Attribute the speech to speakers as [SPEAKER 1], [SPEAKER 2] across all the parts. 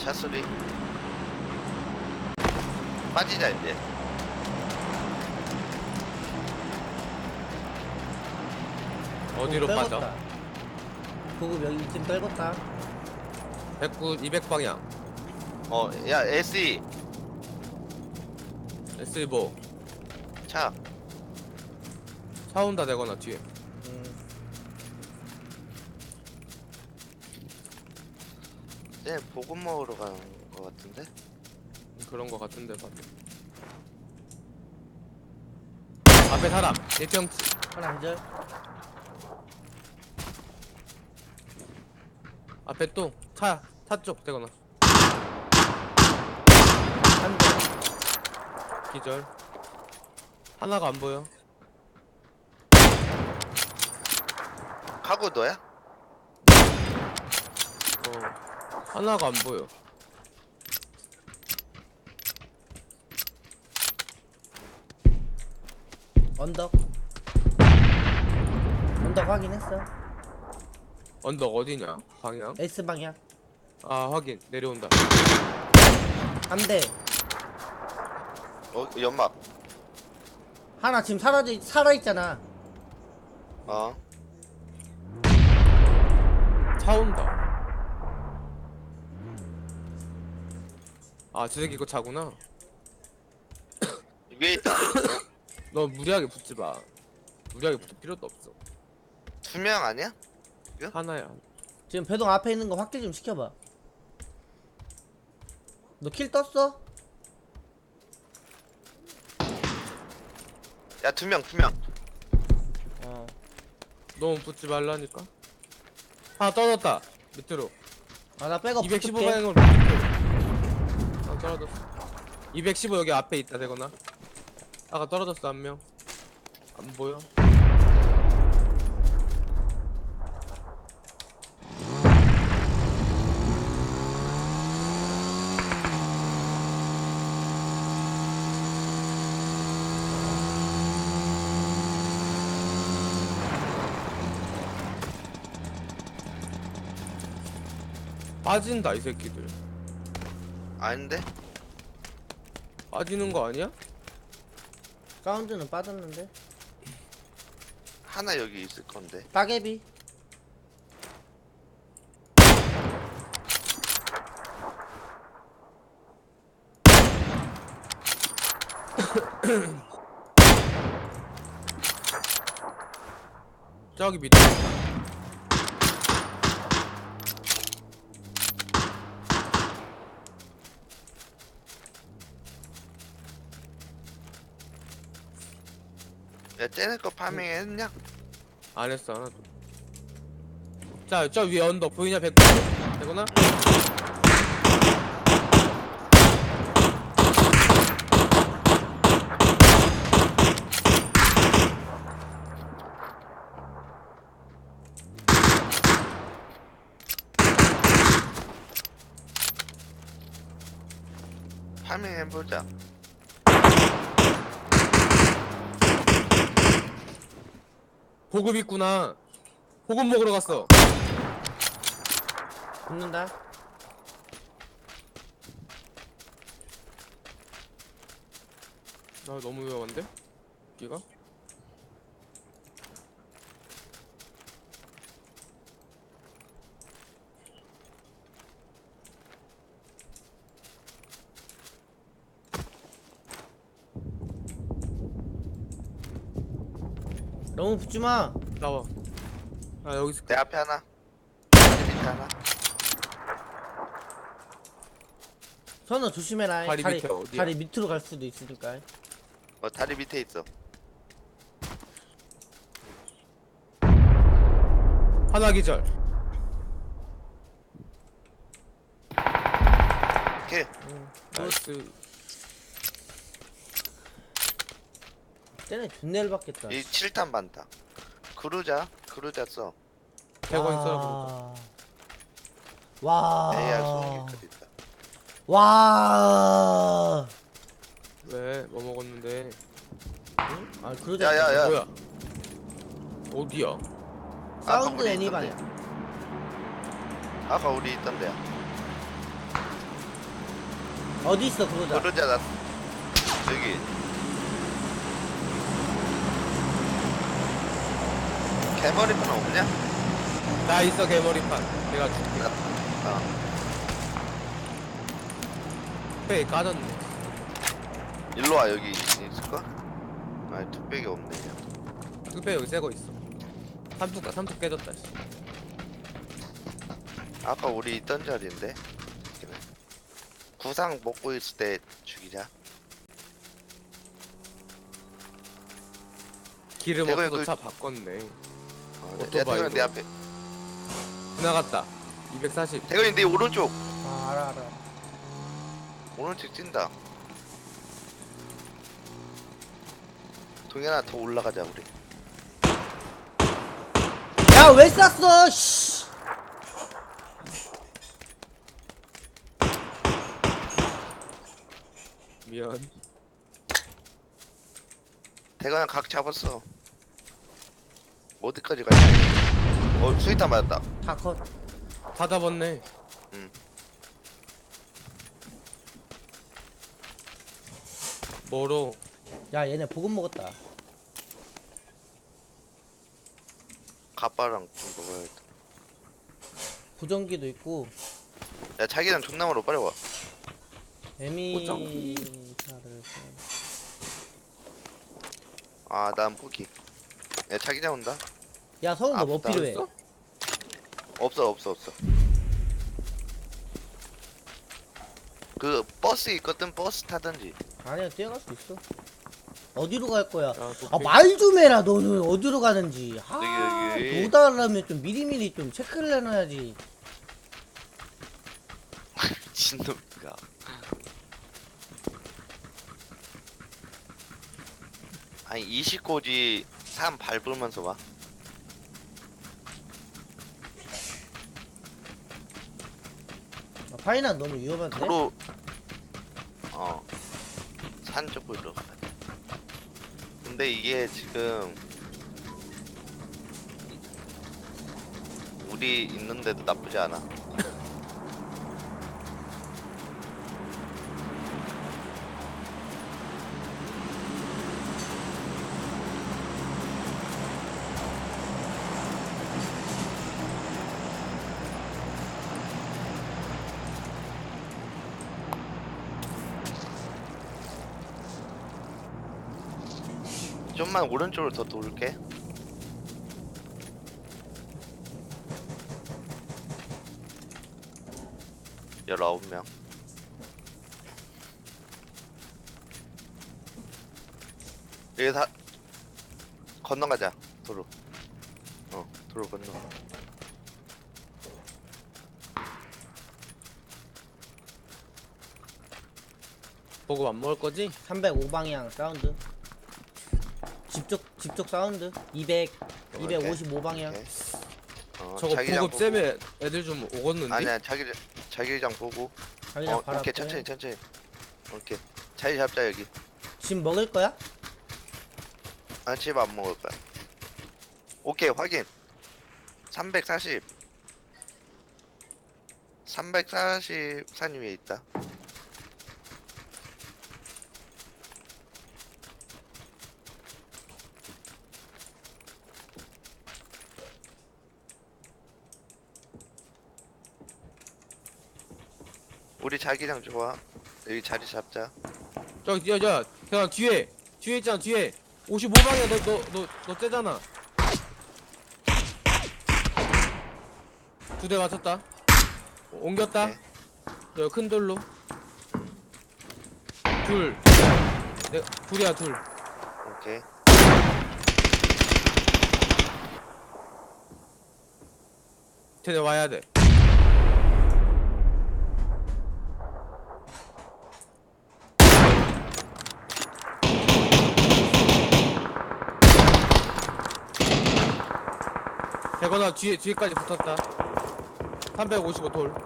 [SPEAKER 1] 차소리. 빠지자 이제.
[SPEAKER 2] 어디로 빠져?
[SPEAKER 3] 보급 여기 지금 떨궜다.
[SPEAKER 2] 109, 200 방향.
[SPEAKER 1] 야 SE
[SPEAKER 2] SE 뭐?
[SPEAKER 1] 차.
[SPEAKER 2] 차 온다 되거나 뒤에.
[SPEAKER 1] 쟤 보급 먹으러 가는 거 같은데?
[SPEAKER 2] 그런 거 같은데 봐도. 앞에 사람. 1평치.
[SPEAKER 3] 하나 기절.
[SPEAKER 2] 앞에 또 차 쪽 되거나.
[SPEAKER 3] 한 대.
[SPEAKER 2] 기절. 하나가 안 보여.
[SPEAKER 1] 카고 너야?
[SPEAKER 2] 하나가 안 보여.
[SPEAKER 3] 언덕. 언덕 확인했어.
[SPEAKER 2] 언덕 어디냐? 방향?
[SPEAKER 3] S 방향.
[SPEAKER 2] 아 확인. 내려온다.
[SPEAKER 3] 한 대.
[SPEAKER 1] 연막.
[SPEAKER 3] 하나 지금 살아있잖아.
[SPEAKER 2] 차 온다. 아 저 새끼 이거 차구나.
[SPEAKER 1] 위에 있다.
[SPEAKER 2] 너 무리하게 붙지 마. 무리하게 붙을 필요도 없어.
[SPEAKER 1] 2명 아니야?
[SPEAKER 2] 하나야.
[SPEAKER 3] 지금 배동 앞에 있는 거 확대 좀 시켜봐. 너 킬 떴어?
[SPEAKER 1] 야 2명.
[SPEAKER 2] 너무 붙지 말라니까. 하나 떨어졌다. 밑으로.
[SPEAKER 3] 아 나 백업
[SPEAKER 2] 215
[SPEAKER 3] 붙을게.
[SPEAKER 2] 방향으로 밑으로. 아 떨어졌어. 215 여기 앞에 있다 되거나. 아까 떨어졌어 한 명. 안 보여. 빠진다 이 새끼들.
[SPEAKER 1] 아닌데?
[SPEAKER 2] 빠지는 거 아니야?
[SPEAKER 3] 사운드는 빠졌는데.
[SPEAKER 1] 하나 여기 있을 건데.
[SPEAKER 3] 따개비.
[SPEAKER 2] 저기 밑에.
[SPEAKER 1] 야 쟤네 거 파밍 했냐?
[SPEAKER 2] 안 했어 하나도. 자, 저 위에 언덕 보이냐 100 되구나?
[SPEAKER 1] 파밍 해보자.
[SPEAKER 2] 보급 있구나. 보급 먹으러 갔어.
[SPEAKER 3] 붙는다.
[SPEAKER 2] 나 너무 위험한데? 여기가?
[SPEAKER 3] 너무 붙지마.
[SPEAKER 2] 나와. 아 여기 있을
[SPEAKER 1] 내
[SPEAKER 2] 거야.
[SPEAKER 1] 앞에 하나. 다리 밑에 하나.
[SPEAKER 3] 선우 조심해라.
[SPEAKER 2] 다리 밑에 어디야?
[SPEAKER 3] 다리 밑으로 갈 수도 있으니까.
[SPEAKER 1] 다리 밑에 있어.
[SPEAKER 2] 하나 기절.
[SPEAKER 1] 오케이.
[SPEAKER 2] 나이스.
[SPEAKER 3] 쟤네 존내를 받겠다.
[SPEAKER 1] 이 7탄 반다. 그루자 써.
[SPEAKER 2] 100원 써라
[SPEAKER 3] 와.
[SPEAKER 1] AR 쏘는 게 있다.
[SPEAKER 3] 와.
[SPEAKER 2] 왜? 뭐 먹었는데?
[SPEAKER 3] 아 그러자.
[SPEAKER 1] 야야야.
[SPEAKER 2] 뭐야? 어디야?
[SPEAKER 3] 사운드
[SPEAKER 1] 우리
[SPEAKER 3] 애니
[SPEAKER 1] 있던데.
[SPEAKER 3] 방향.
[SPEAKER 1] 아까 우리 있던 데야.
[SPEAKER 3] 어디 있어 그러자.
[SPEAKER 1] 그러자 나 여기 개머리판 없냐?
[SPEAKER 2] 나 있어 개머리판. 내가 줄게.
[SPEAKER 1] 어.
[SPEAKER 2] 페이 까졌네.
[SPEAKER 1] 일로 와 여기 있을까? 아니 뚝배기 없네 그냥.
[SPEAKER 2] 뚝배 여기 새거 있어. 삼뚝 깨졌다. 씨.
[SPEAKER 1] 아까 우리 있던 자리인데 여기는. 구상 먹고 있을 때 죽이자.
[SPEAKER 2] 기름
[SPEAKER 1] 내가
[SPEAKER 2] 없어서
[SPEAKER 1] 그-
[SPEAKER 2] 차 바꿨네.
[SPEAKER 1] 야
[SPEAKER 2] 오토바이로.
[SPEAKER 1] 태근이 내 앞에.
[SPEAKER 2] 지나갔다. 240.
[SPEAKER 1] 태근이 내 오른쪽.
[SPEAKER 3] 아 알아.
[SPEAKER 1] 오른쪽 찐다. 동현아 더 올라가자 우리.
[SPEAKER 3] 야 왜 쐈어? 씨.
[SPEAKER 2] 미안.
[SPEAKER 1] 태근아 각 잡았어. 어디까지 가냐? 수위탄 맞았다.
[SPEAKER 3] 다 컷.
[SPEAKER 2] 다 잡았네.
[SPEAKER 1] 응.
[SPEAKER 2] 뭐로?
[SPEAKER 3] 야 얘네 보급 먹었다.
[SPEAKER 1] 가빠랑 좀 먹어야겠다.
[SPEAKER 3] 보정기도 있고.
[SPEAKER 1] 야 자기장 존나 멀어 빨리 와.
[SPEAKER 3] 에미사를.
[SPEAKER 1] 난 포기. 야 자기장 온다.
[SPEAKER 3] 야 서훈 너 뭐
[SPEAKER 1] 아프다.
[SPEAKER 3] 필요해?
[SPEAKER 1] 없어. 그 버스 있거든. 버스 타든지.
[SPEAKER 3] 아니야 뛰어갈 수 있어. 어디로 갈 거야?
[SPEAKER 2] 야,
[SPEAKER 3] 아 말 좀 해라 너는 어디로 가는지.
[SPEAKER 1] 여기.
[SPEAKER 3] 노달라면 좀 미리미리 좀 체크를 해놔야지.
[SPEAKER 1] 미친놈이가. 아니 20고지 3 밟으면서 와.
[SPEAKER 3] 아, 파이난 너무 위험한데?
[SPEAKER 1] 도로 산 쪽으로 가야 돼. 근데 이게 지금 우리 있는데도 나쁘지 않아. 좀만 오른쪽으로 더 돌게. 열아홉 명. 여기 다 건너가자. 도로. 도로 건너.
[SPEAKER 2] 보급 안 먹을 거지?
[SPEAKER 3] 305방향 사운드. 집쪽 사운드. 255방향.
[SPEAKER 1] 오케이.
[SPEAKER 2] 저거
[SPEAKER 1] 자기장
[SPEAKER 2] 보급
[SPEAKER 1] 보고.
[SPEAKER 2] 쌤에 애들 좀 오겠는데?
[SPEAKER 1] 아니야 자기장 보고.
[SPEAKER 3] 자기장 바로
[SPEAKER 1] 오케이
[SPEAKER 3] 앞에.
[SPEAKER 1] 천천히. 오케이. 자리 잡자 여기.
[SPEAKER 3] 지금 먹을 거야?
[SPEAKER 1] 집 안 먹을 거야. 오케이 확인. 340 산 위에 있다. 우리 자기장 좋아. 여기 자리 잡자.
[SPEAKER 2] 저기 야 그냥 뒤에 있잖아 뒤에 55방에 너 째잖아. 두 대 맞췄다. 옮겼다.
[SPEAKER 1] 오케이.
[SPEAKER 2] 저 큰 돌로 둘이야 둘.
[SPEAKER 1] 오케이.
[SPEAKER 2] 쟤네 와야 돼. 대거나 뒤에까지 붙었다. 355 돌.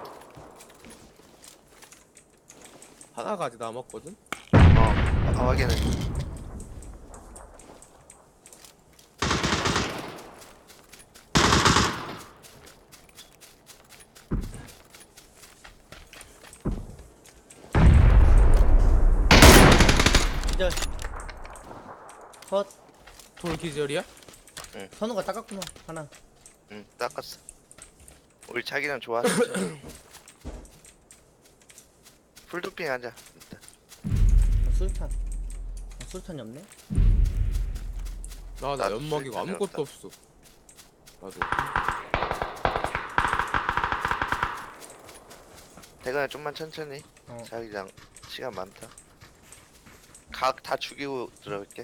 [SPEAKER 2] 하나가 아직 남았거든.
[SPEAKER 1] 확인해.
[SPEAKER 3] 기절. 컷.
[SPEAKER 2] 돌 기절이야?
[SPEAKER 3] 선우가 닦았구나. 하나.
[SPEAKER 1] 응, 닦았어. 우리 자기랑 좋아. 풀도핑 하자. 일단.
[SPEAKER 3] 술탄. 술탄이 없네.
[SPEAKER 2] 나
[SPEAKER 1] 나도
[SPEAKER 2] 연막이고
[SPEAKER 1] 쓸데없다.
[SPEAKER 2] 아무것도 없어. 나도.
[SPEAKER 1] 대근아 좀만 천천히.
[SPEAKER 3] 어.
[SPEAKER 1] 자기랑 시간 많다. 각 다 죽이고 들어갈게.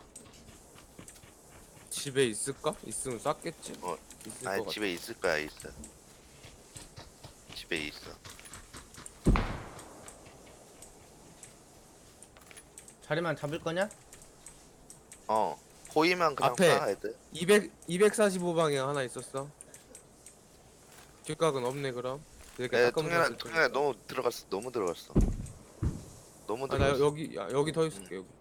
[SPEAKER 2] 집에 있을까? 있으면 쐈겠지.
[SPEAKER 1] 어,
[SPEAKER 2] 있을
[SPEAKER 1] 아니
[SPEAKER 2] 것 같아.
[SPEAKER 1] 집에 있을 거야. 있어. 집에 있어.
[SPEAKER 3] 자리만 잡을 거냐?
[SPEAKER 1] 어. 보이면 그냥
[SPEAKER 2] 앞에.
[SPEAKER 1] 파 애들.
[SPEAKER 2] 245방향 하나 있었어. 뒷각은 없네 그럼. 이렇게
[SPEAKER 1] 야,
[SPEAKER 2] 깎아서
[SPEAKER 1] 통현아 너무 들어갔어. 너무 들어갔어. 너무
[SPEAKER 2] 나
[SPEAKER 1] 들어갔어.
[SPEAKER 2] 여기 더 있을게 여기.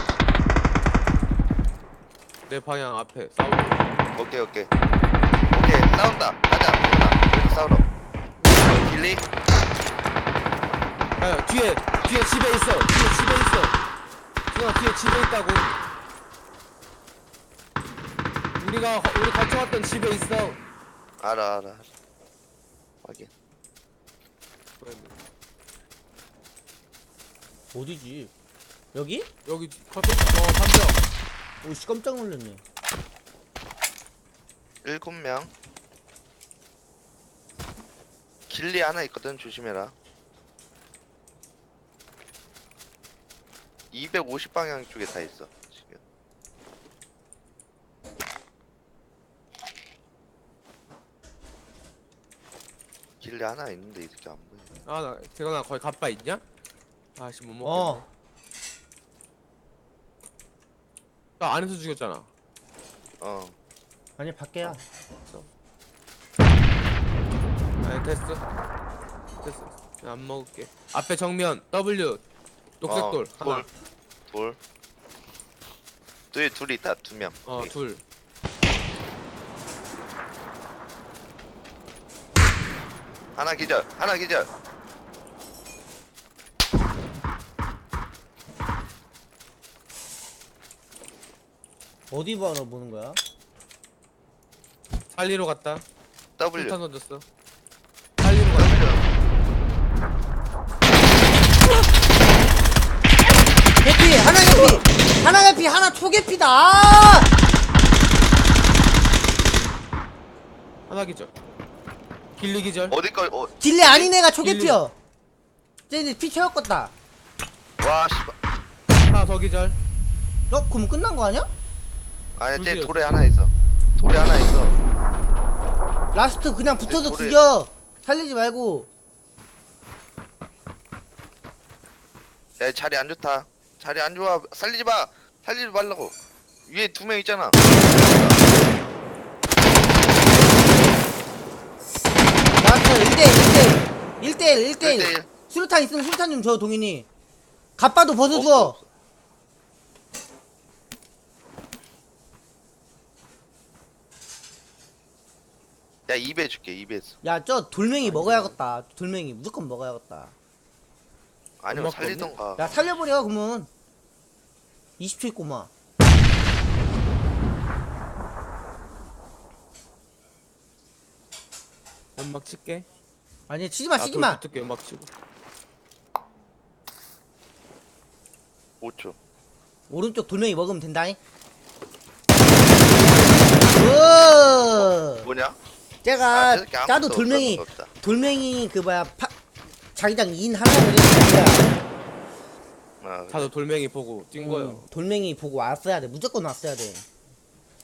[SPEAKER 2] 내 방향 앞에 싸우고.
[SPEAKER 1] 오케이. 싸운다. 가자. 통현아. 여기서 싸우러. 길리?
[SPEAKER 2] 야 뒤에 집에 있어. 뒤에 집에 있어. 그냥 뒤에 집에 있다고. 우리 같이 왔던 집에 있어.
[SPEAKER 1] 알아. 확인.
[SPEAKER 3] 어디지? 여기?
[SPEAKER 2] 여기 담벼.
[SPEAKER 3] 오씨 깜짝 놀랐네.
[SPEAKER 1] 7명. 길리 하나 있거든. 조심해라. 250방향 쪽에 다 있어. 지금. 길리 하나 있는데 이렇게 안 보여.
[SPEAKER 2] 나 대건아 거기 갑바 있냐? 아씨 못 먹겠네.
[SPEAKER 3] 어.
[SPEAKER 2] 나 안에서 죽였잖아.
[SPEAKER 1] 어.
[SPEAKER 3] 아니 밖에야.
[SPEAKER 2] 아니 됐어. 안 먹을게. 앞에 정면 W 녹색 돌 하나.
[SPEAKER 1] 둘 있다. 2명.
[SPEAKER 2] 둘.
[SPEAKER 1] 하나 기절.
[SPEAKER 3] 어디 바로 보는 거야?
[SPEAKER 2] 살리러 갔다.
[SPEAKER 1] W.
[SPEAKER 2] 술탄 던졌어. 살리러 갔다.
[SPEAKER 3] 개피 하나 개피 하나 개피 하나 초개피다. 아!
[SPEAKER 2] 하나 기절. 길리 기절.
[SPEAKER 1] 어디 거?
[SPEAKER 3] 딜레 아닌 애가 초개피여. 쟤네 피 채웠겠다.
[SPEAKER 1] 와 씨발.
[SPEAKER 2] 하나 더 기절.
[SPEAKER 3] 그럼 끝난 거 아니야?
[SPEAKER 1] 아니 쟤
[SPEAKER 2] 둘이었어.
[SPEAKER 1] 돌에 하나 있어.
[SPEAKER 3] 라스트 그냥 붙어서
[SPEAKER 1] 돌에-
[SPEAKER 3] 죽여. 살리지 말고.
[SPEAKER 1] 야 자리 안 좋다. 자리 안 좋아. 살리지 말라고. 위에 2명 있잖아.
[SPEAKER 3] 라스트 1대1
[SPEAKER 1] 1대1.
[SPEAKER 3] 수류탄 있으면 수류탄 좀 줘 동인이. 갑바도 벗어줘.
[SPEAKER 1] 없어. 야 2배 줄게. 2배.
[SPEAKER 3] 야 저 돌멩이 먹어야겠다. 돌멩이 무조건 먹어야겠다.
[SPEAKER 1] 아니면
[SPEAKER 2] 엄마
[SPEAKER 1] 살리던가.
[SPEAKER 3] 야 살려버려 그러면. 20초 있고만.
[SPEAKER 2] 연막 칠게.
[SPEAKER 3] 아니 치지마
[SPEAKER 2] 돌
[SPEAKER 3] 치지마.
[SPEAKER 2] 붙을게 연막 치고.
[SPEAKER 1] 5초.
[SPEAKER 3] 오른쪽 돌멩이 먹으면 된다잉. 오.
[SPEAKER 1] 뭐냐?
[SPEAKER 3] 제가
[SPEAKER 1] 저렇게 아무것도
[SPEAKER 3] 짜도 돌멩이
[SPEAKER 1] 없다.
[SPEAKER 3] 돌멩이 그 뭐야 자기장 인 하려고 그랬는데
[SPEAKER 1] 아,
[SPEAKER 2] 다들 돌멩이 보고 뛴 거야.
[SPEAKER 3] 돌멩이 보고 왔어야 돼. 무조건 왔어야 돼.